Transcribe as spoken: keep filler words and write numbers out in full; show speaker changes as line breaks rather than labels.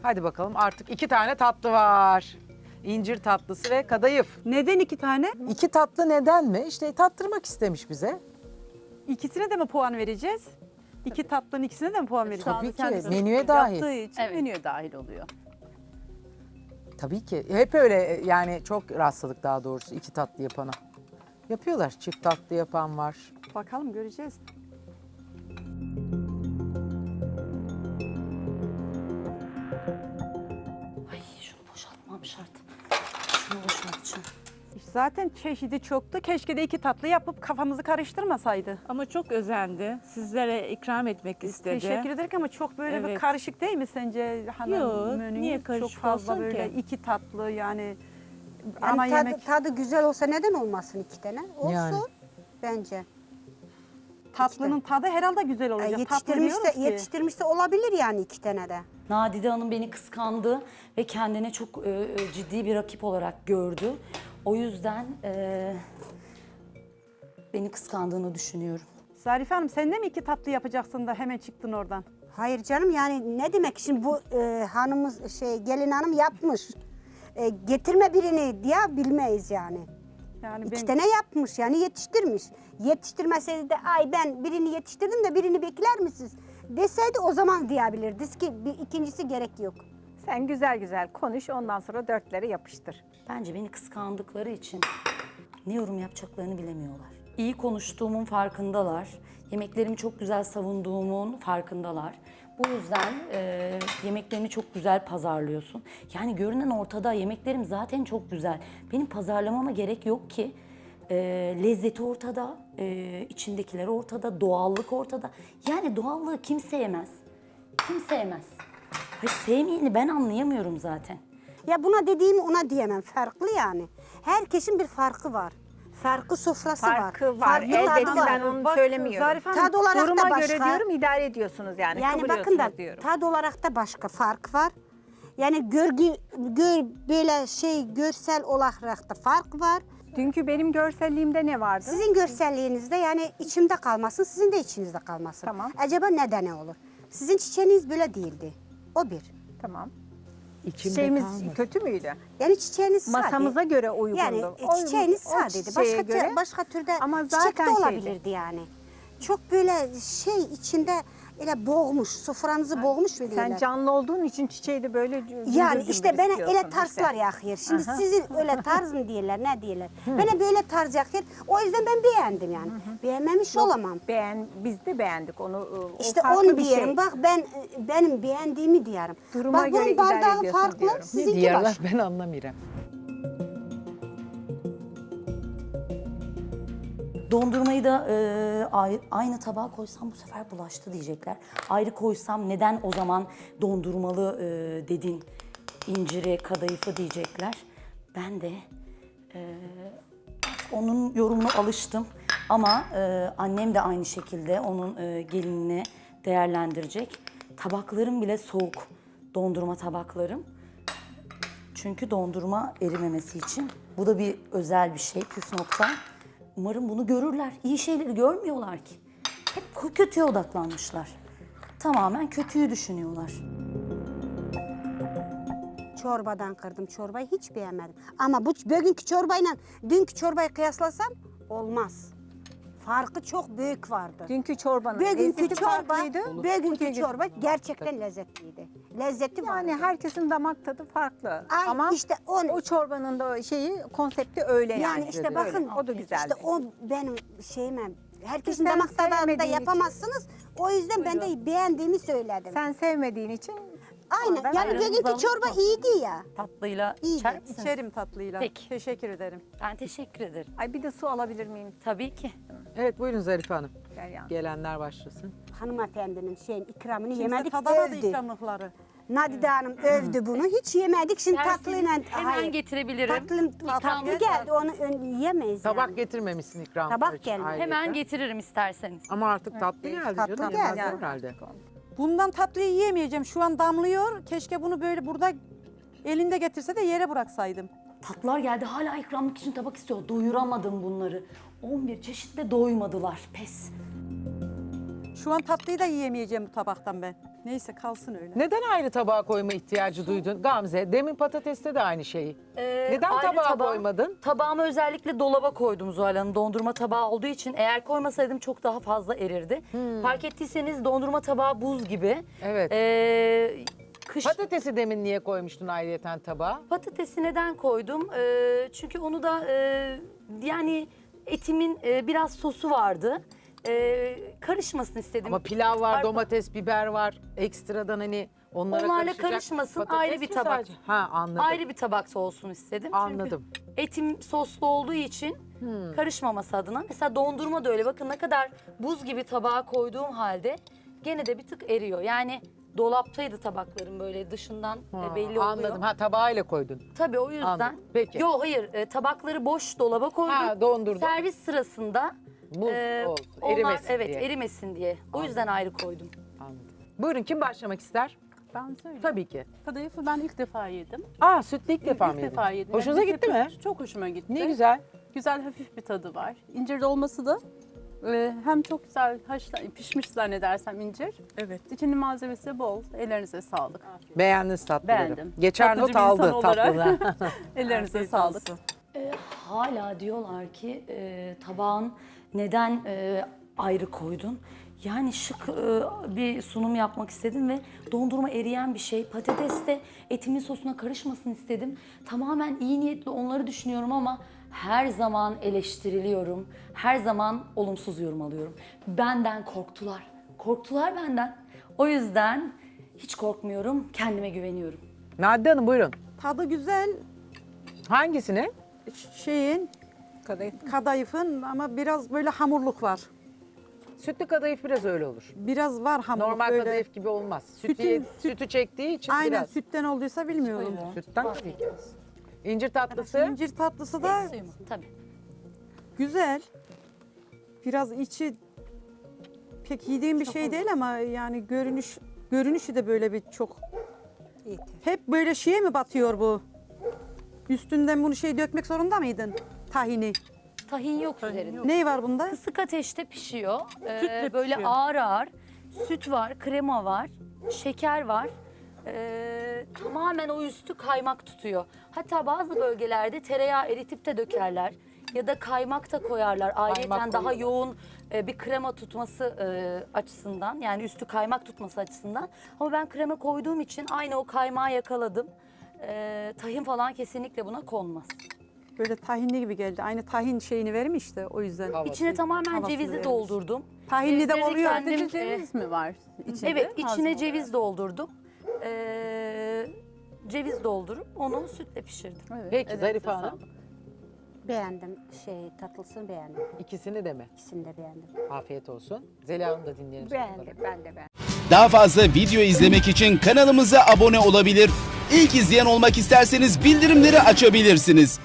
Hadi bakalım, artık iki tane tatlı var. İncir tatlısı ve kadayıf.
Neden iki tane?
İki tatlı neden mi? İşte tattırmak istemiş bize.
İkisine de mi puan vereceğiz? İki tatlının ikisine de mi puan vereceğiz?
Tabii ki,
kendisi
menüye dahil.
Yaptığı için
Evet.
menüye dahil oluyor.
Tabii ki. Hep öyle, yani çok rastladık daha doğrusu iki tatlı yapana. Yapıyorlar. Çift tatlı yapan var.
Bakalım göreceğiz.
Ay şunu boşaltmam şart. Şunu boşaltacağım.
Zaten çeşidi çoktu. Keşke de iki tatlı yapıp kafamızı karıştırmasaydı.
Ama çok özendi. Sizlere ikram etmek istedi.
Teşekkür ederim ama çok böyle bir
Evet.
karışık değil mi sence hanım?
Yok,
menünüz?
niye karışık
Çok fazla
olsun
böyle
ki?
iki tatlı yani,
Yani
ana
tadı,
yemek
tadı güzel olsa neden olmasın iki tane? Olsun
Yani.
bence.
tatlının tadı herhalde güzel
E,
olacak. Tatlı
yetiştirmişse,
diyoruz ki.
yetiştirmişse olabilir yani iki tane de.
Nadide Hanım beni kıskandı ve kendine çok e, e, ciddi bir rakip olarak gördü. O yüzden e, beni kıskandığını düşünüyorum.
Zarife Hanım sen de mi iki tatlı yapacaksın da hemen çıktın oradan?
Hayır canım, yani ne demek şimdi bu e, hanımız şey gelin hanım yapmış. E, getirme birini diye bilmeyiz yani.
Yani
İki
ben
tane yapmış yani yetiştirmiş. Yetiştirmeseydi de ay ben birini yetiştirdim de birini bekler misiniz deseydi o zaman diyebilirdik ki bir ikincisi gerek yok.
Sen güzel güzel konuş, ondan sonra dörtleri yapıştır.
Bence beni kıskandıkları için ne yorum yapacaklarını bilemiyorlar. İyi konuştuğumun farkındalar. Yemeklerimi çok güzel savunduğumun farkındalar. Bu yüzden e, yemeklerimi çok güzel pazarlıyorsun. Yani görünen ortada, yemeklerim zaten çok güzel. Benim pazarlamama gerek yok ki. E, lezzeti ortada, e, içindekiler ortada, doğallık ortada. Yani doğallığı kim sevmez? Kim sevmez? Hayır, sevmeyeni ben anlayamıyorum zaten.
Ya buna dediğimi ona diyemem, farklı yani. Herkesin bir farkı var. Farklı sofrası var.
Farkı var.
Farklı tadı
Elbette
var.
ben onu
Bak,
söylemiyorum.
Zarife Hanım,
Tad olarak
Duruma
da başka.
göre diyorum, idare ediyorsunuz yani.
Yani bakın da
kıvırıyorsunuz diyorum.
tad olarak da başka fark var. Yani görgü gör, böyle şey görsel olarak da fark var.
Dünkü benim görselliğimde ne vardı?
Sizin görselliğinizde yani içimde kalmasın, sizin de içinizde kalmasın.
Tamam.
Acaba neden olur? Sizin çiçeğiniz böyle değildi. O bir.
Tamam.
İçimde
Çiçeğimiz
kalmasın.
kötü müydü?
Yani çiçeğiniz sade.
Masamıza göre uygundu.
Yani
O-
e, çiçeğiniz
o
sadeydi.
çiçeğe
Başka
göre-
başka türde
Ama
çiçek
zaten
de
şeydi.
olabilirdi yani. Çok böyle şey içinde öyle boğmuş, sofranızı boğmuş mu
Sen
diyorlar.
canlı olduğun için çiçeği de böyle cümbür
Yani
cümbür
işte bana
istiyorsun
öyle tarzlar
işte.
yakıyor. Şimdi
Aha.
sizin öyle tarz mı diyorlar, ne diyorlar? Bana böyle tarz yakıyor. O yüzden ben beğendim yani. Beğenmemiş olamam.
Beğen, biz de beğendik onu. o
İşte
farklı
onu
bir
diyelim.
şey.
Bak ben benim beğendiğimi diyorum.
Duruma
Bak
göre
bunun
idare
bardağı
ediyorsun
farklı,
diyorum.
Ne
sizinki
diyorlar
başka.
ben anlamıyorum.
Dondurmayı da e, ayrı- aynı tabağa koysam bu sefer bulaştı diyecekler. Ayrı koysam neden o zaman dondurmalı e, dedin, inciri, kadayıfı diyecekler. Ben de e, artık onun yorumuna alıştım. Ama e, annem de aynı şekilde onun e, gelinini değerlendirecek. Tabaklarım bile soğuk, dondurma tabaklarım. Çünkü dondurma erimemesi için. Bu da bir özel bir şey, püf nokta. Umarım bunu görürler. İyi şeyleri görmüyorlar ki. Hep kötüye odaklanmışlar. Tamamen kötüyü düşünüyorlar.
Çorbadan kırdım. Çorbayı hiç beğenmedim. Ama bu bugünkü çorbayla dünkü çorbayı kıyaslasam olmaz. Farkı çok büyük vardı.
Dünkü çorbanın
Bugünkü
lezzeti
çorba,
farklıydı.
bugünkü
Bugünkü-
çorba gerçekten lezzetliydi. Lezzeti vardı.
Yani herkesin damak tadı farklı.
Ay,
Ama
işte o-
o çorbanın da şeyi, konsepti öyle yani.
Yani işte bakın,
Öyle. O da güzeldi.
işte o benim şeyime, herkesin
Sen
damak tadında
sevmediğin için.
yapamazsınız. O yüzden ben de beğendiğimi söyledim.
Sen sevmediğin için
Aynen,
oradan
yani
ayrılmış
bugünkü
olduk
çorba
mu?
iyiydi ya.
Tatlıyla
İyiydi.
içer misiniz?
içerim tatlıyla.
Peki.
Teşekkür ederim.
Ben teşekkür ederim.
Ay bir de su alabilir miyim?
Tabii ki.
Evet, buyurun Zarife Hanım.
Derya?
Gelenler başlasın.
Hanımefendinin şeyin ikramını
Kimse
yemedik,
tadamadı
övdü.
ikramlıkları.
Nadide Hanım övdü bunu. Hiç yemedik. Şimdi tatlıyla...
Hemen
Hayır.
getirebilirim.
Tatlı, tatlı geldi. Onu ön, yiyemeyiz
Tabak
yani.
getirmemişsin ikram.
Tabak
için
geldi.
ayrıca.
Hemen getiririm isterseniz.
Ama artık tatlı geldi
tatlı
canım.
geldi.
Yemezler herhalde.
Bundan tatlıyı yiyemeyeceğim. Şu an damlıyor. Keşke bunu böyle burada elinde getirse de yere bıraksaydım.
Tatlılar geldi, hala ikramlık için tabak istiyor. Doyuramadım bunları. on bir çeşitle doymadılar. Pes.
Şu an tatlıyı da yiyemeyeceğim bu tabaktan ben. Neyse kalsın öyle.
Neden ayrı tabağa koyma ihtiyacı duydun Gamze? Demin patateste de aynı şeyi.
Ee,
Neden
ayrı
tabağa
tabağı-
koymadın?
Tabağımı özellikle dolaba koydum Zuhal Hanım. Dondurma tabağı olduğu için eğer koymasaydım çok daha fazla erirdi. Fark ettiyseniz dondurma tabağı buz gibi.
Evet.
Ee, kış
Patatesi demin niye koymuştun ayrıyeten tabağa?
patatesi neden koydum? Ee, çünkü onu da e, yani etimin e, biraz sosu vardı. Ee, karışmasını istedim.
Ama pilav var,
Pardon.
domates, biber var. Ekstradan hani onlara
Onlarla
karışacak
karışmasın,
patates
ayrı bir
mi
tabak.
sadece? Ha anladım.
Ayrı bir tabakta olsun istedim. Çünkü
Anladım.
etim soslu olduğu için karışmaması adına. Mesela dondurma da öyle. Bakın ne kadar buz gibi tabağa koyduğum halde gene de bir tık eriyor. Yani dolaptaydı tabaklarım böyle dışından
Ha,
e, belli oluyor.
Anladım. Ha tabağıyla koydun.
Tabii o yüzden.
Anladım. Peki.
Yo hayır e, tabakları boş dolaba koydum.
Ha, dondurdun.
Servis sırasında
Buz
e,
olsun,
onlar-
erimesin
evet,
diye.
erimesin diye. O yüzden ayrı koydum.
Anladım. Buyurun kim başlamak ister?
Ben söyleyeyim.
Tabii ki.
Kadayıfı ben ilk defa yedim.
Aa sütlü ilk defa mı
ilk
yedin?
defa yedim.
Hoşunuza
Yani
gitti mi?
Çok hoşuma gitti.
Ne güzel.
Güzel hafif bir tadı var. İncir dolması da e, hem çok güzel haşla, pişmiş zannedersem incir. Evet. İçinin malzemesi bol. Ellerinize sağlık.
Beğendiniz tatlıları.
Beğendim.
Geçer
Tatlıcı
not
bir insan
aldı
olarak.
tatlıdan.
Ellerinize sağlık.
E, hala diyorlar ki e, tabağın neden e, ayrı koydun? Yani şık e, bir sunum yapmak istedim ve dondurma eriyen bir şey. Patates de etimin sosuna karışmasın istedim. Tamamen iyi niyetli onları düşünüyorum ama her zaman eleştiriliyorum. Her zaman olumsuz yorum alıyorum. Benden korktular. Korktular benden. O yüzden hiç korkmuyorum. Kendime güveniyorum.
Nadide Hanım buyurun.
Tadı güzel
Hangisini?
şeyin kadayıfın ama biraz böyle hamurluk var.
Sütlü kadayıf biraz öyle olur.
Biraz var hamurluk
Normal
böyle.
kadayıf gibi olmaz. Sütü,
Sütün-
ye- sütü çektiği için
Aynen
biraz.
sütten olduysa bilmiyorum.
Sütten tabii ki. İncir tatlısı.
İncir tatlısı da
Suyumu. Tabii.
güzel. Biraz içi pek yediğim bir şey değil ama yani görünüş görünüşü de böyle bir çok
Yeter.
hep böyle şeye mi batıyor bu? Üstünden bunu şey dökmek zorunda mıydın? Tahini.
Tahin yok üzerinde.
Ne var bunda?
Kısık ateşte pişiyor. Ee,
Sütle
böyle
pişiyor.
ağır ağır. Süt var, krema var, şeker var. Ee, tamamen o üstü kaymak tutuyor. Hatta bazı bölgelerde tereyağı eritip de dökerler. Ya da kaymak da koyarlar. Ayrıca daha
koyuyorlar.
yoğun e, bir krema tutması e, açısından. Yani üstü kaymak tutması açısından. Ama ben krema koyduğum için aynı o kaymağı yakaladım. Ee, tahin falan kesinlikle buna konmaz.
Böyle tahinli gibi geldi. Aynı tahin şeyini vermiş işte o yüzden.
Havası.
İçine tamamen
Havasını
cevizi
vermiş.
doldurdum.
Tahinli de
Cevizleri
oluyor.
kendim-
Sadece ceviz mi var içinde?
Evet, içine
Malzeme
ceviz doldurdum. Ee, ceviz doldurup onu sütle pişirdim.
olarak. Evet,
Peki
ellerinize
Zarife Hanım.
sağlık.
Beğendim şey tatlısını beğendim.
İkisini de mi?
İkisini de beğendim.
Afiyet olsun. Zeliha Hanım da dinleyelim.
Beğendim, ben de beğendim.
Daha fazla video izlemek için kanalımıza abone olabilir. İlk izleyen olmak isterseniz bildirimleri açabilirsiniz.